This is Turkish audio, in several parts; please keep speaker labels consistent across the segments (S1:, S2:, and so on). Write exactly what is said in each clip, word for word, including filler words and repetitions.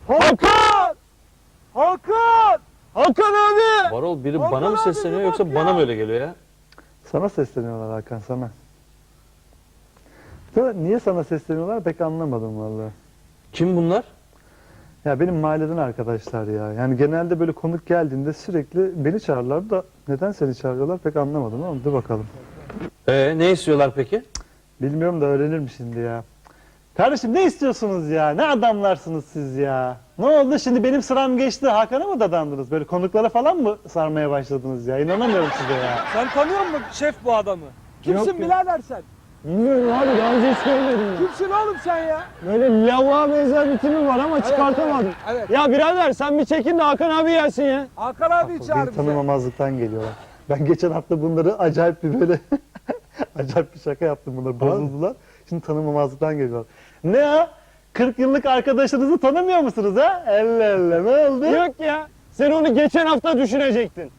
S1: Hakan! Hakan!
S2: Hakan abi!
S3: Varol biri
S1: Hakan
S3: bana mı
S1: abi
S3: sesleniyor
S1: bir
S3: yoksa
S1: bak
S3: bana
S1: ya.
S3: mı öyle geliyor ya?
S4: Sana sesleniyorlar Hakan, sana. Sana- Niye sana sesleniyorlar pek anlamadım vallahi.
S3: Kim bunlar?
S4: Ya benim mahalleden arkadaşlar ya. Yani genelde böyle konuk geldiğinde sürekli beni çağırırlar da neden seni çağırıyorlar pek anlamadım ama dur bakalım.
S3: Ee, ne istiyorlar peki?
S4: Bilmiyorum da öğrenirim şimdi ya. Kardeşim ne istiyorsunuz ya? Ne adamlarsınız siz ya? Ne oldu şimdi benim sıram geçti Hakan'a mı dadandınız? Böyle konuklara falan mı sarmaya başladınız ya? İnanamıyorum size ya.
S1: Sen tanıyor musun şef bu adamı? Kimsin
S4: Yok ya.
S1: birader sen?
S2: Bilmiyorum abi, daha önce hiç görmedim ya.
S1: Kimsin oğlum sen ya?
S2: Böyle lavuğa benzer bir tipim var ama çıkartamadım.
S1: Evet, evet.
S2: Ya birader sen bir çekin de Hakan abi gelsin ya.
S1: Hakan abi çağır
S4: Beni
S1: bize.
S4: tanımamazlıktan geliyorlar. Ben geçen hafta bunları acayip bir böyle acayip bir şaka yaptım, bunlar bozuldular. Şimdi tanımamazlıktan geliyorlar. Ne ya? kırk yıllık arkadaşınızı tanımıyor musunuz ha? Elle elle ne oldu?
S2: Yok ya, sen onu geçen hafta düşünecektin.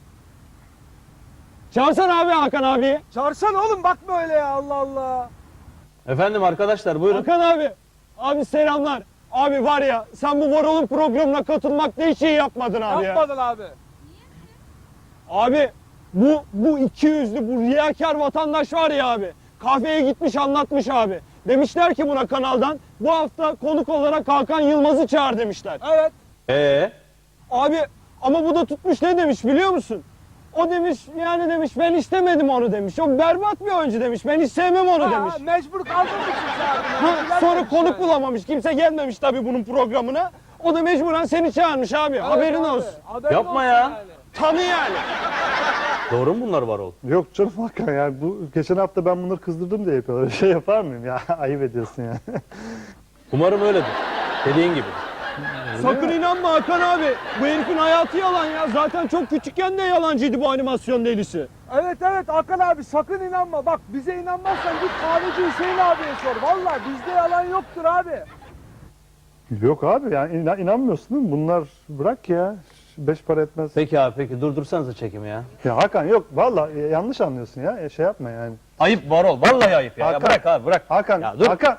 S2: Çağırsana abi Hakan abiyi.
S1: Çağırsana oğlum, bakma öyle ya, Allah Allah.
S3: Efendim arkadaşlar buyurun.
S2: Hakan abi. Abi selamlar. Abi var ya, sen bu Varol'un programına katılmakta hiç iyi yapmadın abi ya.
S1: Yapmadın abi.
S2: Abi bu bu iki yüzlü, bu riyakar vatandaş var ya abi. Kahveye gitmiş anlatmış abi. Demişler ki buna kanaldan bu hafta konuk olarak Hakan Yılmaz'ı çağır demişler.
S1: Evet.
S3: Ee,
S2: Abi ama bu da tutmuş ne demiş biliyor musun? O demiş yani demiş ben istemedim onu demiş. O berbat bir oyuncu demiş. Ben hiç sevmem onu
S1: Ha,
S2: demiş.
S1: mecbur kaldığım için çağırdım.
S2: Ha, sonra
S1: Bilememiş
S2: konuk
S1: yani.
S2: bulamamış. Kimse gelmemiş tabii bunun programına. O da mecburen seni çağırmış abi.
S1: Evet
S2: Haberin
S1: abi,
S2: olsun.
S1: haberin
S3: Yapma
S1: olsun
S3: ya.
S1: yani.
S2: Tanı yani.
S3: doğru mu bunlar Varol?
S4: Yok canım Hakan ya, bu geçen hafta ben bunları kızdırdım diye yapıyorlar. Öyle şey yapar mıyım ya? Ayıp ediyorsun ya.
S3: Umarım öyledir. Dediğin gibi.
S2: Sakın inanma Hakan abi. Bu herifin hayatı yalan ya. Zaten çok küçükken de yalancıydı bu animasyon delisi.
S1: Evet evet Hakan abi, sakın inanma. Bak bize inanmazsan git kahveci Hüseyin abiye sor. Vallahi bizde yalan yoktur abi.
S4: Yok abi yani inan, inanmıyorsun değil mi? Bunlar bırak ya. Beş para etmez.
S3: Peki abi peki durdursanıza çekimi ya.
S4: Ya Hakan yok vallahi yanlış anlıyorsun ya. E, Şey yapma yani.
S3: Ayıp Varol. Vallahi ayıp ya. Ya
S4: Hakan.
S3: bırak abi bırak.
S4: Hakan,
S3: Ya dur.
S4: Hakan.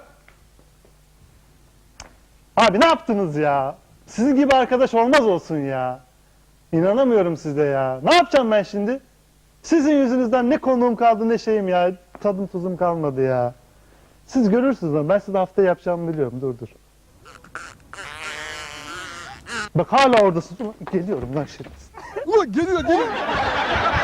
S4: Abi ne yaptınız ya? Sizin gibi arkadaş olmaz olsun ya. İnanamıyorum size ya. Ne yapacağım ben şimdi? Sizin yüzünüzden ne konuğum kaldı ne şeyim ya. Tadım tuzum kalmadı ya. Siz görürsünüz ama ben size haftaya yapacağımı biliyorum. Dur dur. Bak hala oradasın. Ulan geliyorum lan şerefsiz.
S1: Ulan geliyor geliyor.